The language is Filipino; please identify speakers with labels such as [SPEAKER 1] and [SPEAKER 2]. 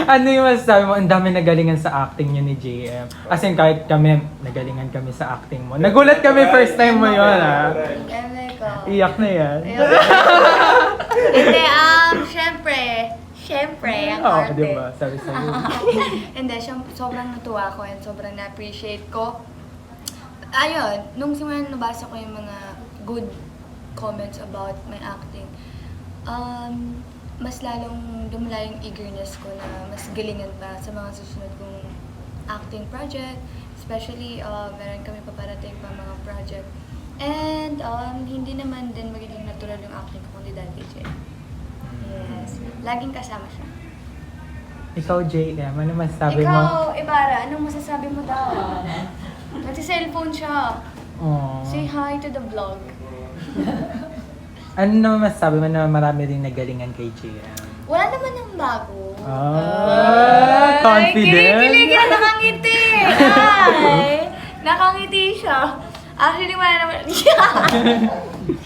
[SPEAKER 1] Ano yung masasabi mo? Ang dami nagalingan sa acting niyo ni JM. As in, kahit kami, nagalingan kami sa acting mo. Nagulat kami first time mo yun, ha? Iyak na yan.
[SPEAKER 2] Hindi, syempre, ang
[SPEAKER 1] Oo,
[SPEAKER 2] arte.
[SPEAKER 1] di ba? Sabi sa'yo.
[SPEAKER 2] Hindi, sobrang natuwa ko and sobrang na-appreciate ko. Ayun, nung simulan nabasa ko yung mga good comments about my acting, mas lalong dumala yung eagerness ko na mas galingan pa sa mga susunod kong acting project. Especially, meron kami paparating pa mga project. And hindi naman din magiging natural yung acting ko kundi dahil kay Jay. Yes. Laging kasama siya.
[SPEAKER 1] Ikaw, JM, ano masasabi mo?
[SPEAKER 2] Ikaw, Ibarra, anong masasabi mo daw? Nagsi-cellphone siya.
[SPEAKER 1] Aww.
[SPEAKER 2] Say hi to the vlog.
[SPEAKER 1] Ano naman masasabi mo na marami rin nagalingan kay JM?
[SPEAKER 2] Wala naman ng bago.
[SPEAKER 1] Confident?
[SPEAKER 2] Kinikilig yan, nakangiti. Ay, nakangiti siya. Actually, wala naman.